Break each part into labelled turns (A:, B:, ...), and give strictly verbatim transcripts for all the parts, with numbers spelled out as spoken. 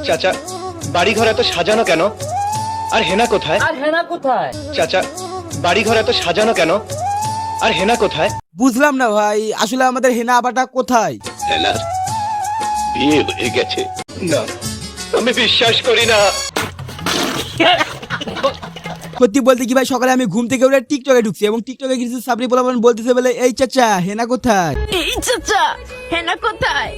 A: চাচা বাড়ি ঘর এত সাজানো কেন? আর হেনা কোথায়?
B: আর হেনা কোথায়?
A: চাচা বাড়ি ঘর এত সাজানো কেন? আর হেনা কোথায়?
C: বুঝলাম না ভাই, আসলে আমাদের হেনা আবাটা কোথায়?
A: হেনার বিয়ে হয়ে গেছে। না, আমি বিশ্বাস করি না।
C: সত্যি বলতে কি ভাই, সকালে আমি ঘুম থেকে উঠে টিকটকে ঢুকছি এবং টিকটকে কিছু সাবরি পোলাপান বলতেছে বলে, এই চাচা হেনা কোথায়?
D: এই চাচা হেনা কোথায়?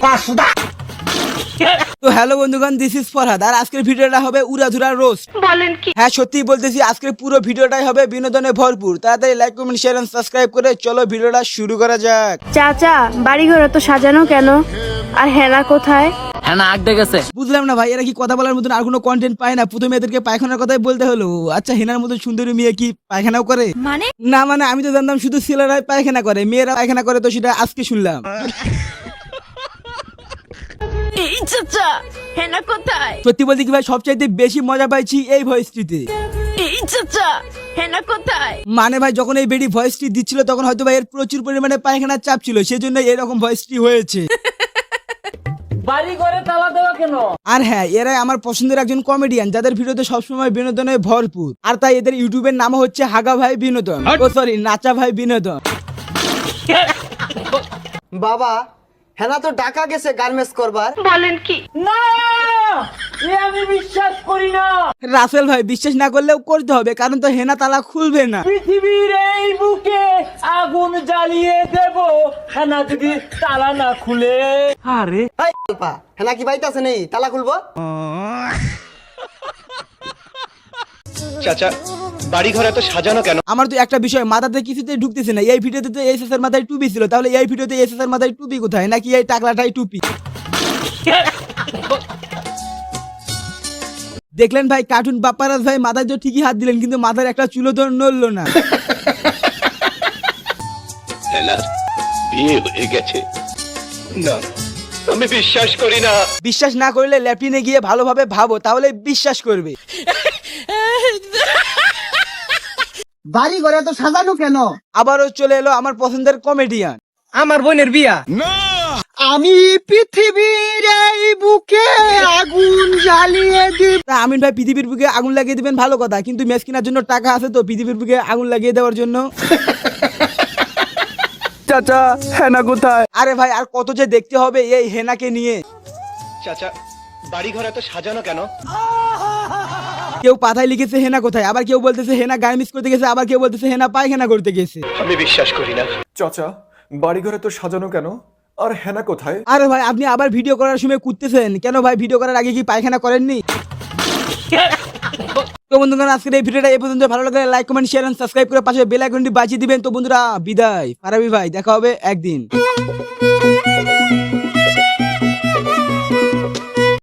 C: তো হ্যালো বন্ধুগণ, দিস ইজ ফরহাদ আর আজকের ভিডিওটা হবে উড়াধুরা রোস্ট।
D: বলেন কি?
C: হ্যাঁ সত্যি বলতেছি, আজকের পুরো ভিডিওটাই হবে বিনোদনে ভরপুর। তাড়াতাড়ি like comment share and subscribe করে চলো ভিডিওটা শুরু করা যাক।
E: চাচা বাড়িঘর তো সাজানো কেন? আর হেনা কোথায়?
B: হেনা আগতে গেছে।
C: বুঝলাম না ভাই, এরা কি কথা বলার মতন আর কোনো কন্টেন্ট পায় না? প্রথমে এদেরকে পায়খানার কথাই বলতে হলো। আচ্ছা, হেনার মতো সুন্দরী মেয়ে কি পায়খানাও করে?
D: মানে
C: না মানে আমি তো জানতাম শুধু ছেলেরাই পায়খানা করে, মেয়েরা পায়খানা করে, তো সেটা আজকে শুনলাম।
D: এই চাচা হেনা কোথায়?
C: সত্যি বলতে কি ভাই, সবচাইতে বেশি মজা পাইছি এই ভয়েসটিতে।
D: এই চাচা হেনা কোথায়?
C: মানে ভাই, যখন এই বেডি ভয়েসটি দিচ্ছিল তখন হয়তো ভাই এর প্রচুর পরিমাণে পায়খানার চাপ ছিল, সেজন্য এরকম ভয়েসটি হয়েছে।
B: বাড়ি ঘরে তালা দেওয়া কেন?
C: আর হ্যাঁ, এরাই আমার পছন্দের একজন কমেডিয়ান, যাদের ভিডিওতে সবসময় বিনোদনে ভরপুর। আর তাই এদের ইউটিউবের নাম হচ্ছে হাগা ভাই বিনোদন, ও সরি নাচা ভাই বিনোদন।
F: বাবা, হেনা তো ঢাকা গেছে গার্মেন্টস করবার।
D: বলেন কি?
B: না, এ আমি বিশ্বাস করি না।
C: রাসেল ভাই, বিশ্বাস না করলেও করতে হবে, কারণ তো হেনা তালা খুলবে না।
B: পৃথিবীর এই বুকে আগুন জ্বালিয়ে দেব হেনা যদি তালা না খুলে। আরে
F: এই আলপা, হেনা কি বাইতে আছে নেই? তালা খুলবো?
A: চাচা বাড়ি ঘর এত সাজানো কেন?
C: আমার তো একটা বিষয় মাথাতে কিছুতে ঢুকতেছে না। এই ভিডিওতে তো এস এস এর মাথায় টুপি ছিল, তাহলে এই ভিডিওতে এস এস এর মাথায় টুপি কোথায়? নাকি এই টাকলাটাই টুপি? দেখলেন ভাই, কার্টুন বাপ্পারাজ ভাই মাথায় তো ঠিকই হাত দিলেন, কিন্তু মাথার একটা চুলো তো নড়লো না।
A: হেনার বিয়ে হয়ে গেছে। না, আমি বিশ্বাস করি না।
C: বিশ্বাস না করলে ল্যাপটিনে গিয়ে ভালোভাবে ভাবো, তাহলে বিশ্বাস করবে।
F: বাড়ি ঘরে তো সাজানো কেন?
C: আবারও চলে এলো আমার পছন্দের কমেডিয়ান।
F: আমার বোনের বিয়া। আমি পৃথিবীর এই বুকে আগুন জ্বালিয়ে দিব।
C: তা আমিন ভাই, পৃথিবীর বুকে আগুন লাগিয়ে দিবেন ভালো কথা, কিন্তু ম্যাচ কেনার জন্য টাকা আছে তো পৃথিবীর বুকে আগুন লাগিয়ে দেওয়ার জন্য?
F: চাচা হেনা কোথায়?
C: আরে ভাই, আর কত যে দেখতে হবে এই হেনাকে নিয়ে।
A: চাচা বাড়ি ঘর এত সাজানো কেন?
C: কেউ পাতায় লিখেছে হেনা কোথায়, আবার কেউ বলতেছে হেনা গার্মেন্টস করতে গেছে, আবার কেউ বলতেছে হেনা পায়খানা করতে গেছে।
A: আমি বিশ্বাস করি না।
G: চাচা বাড়িঘরে তো সাজানো কেন? আর হেনা কোথায়?
C: আরে ভাই, আপনি আবার ভিডিও করার সময় কুদতেছেন কেন ভাই? ভিডিও করার আগে কি পায়খানা করেননি? তো বন্ধুগণ, আজকের এই ভিডিওটা এই পর্যন্ত। ভালো লাগলে like comment share and subscribe করে পাশে বেল আইকনটি বাজিয়ে দিবেন। তো বন্ধুরা বিদায়, ফারাবি ভাই, দেখা হবে একদিন।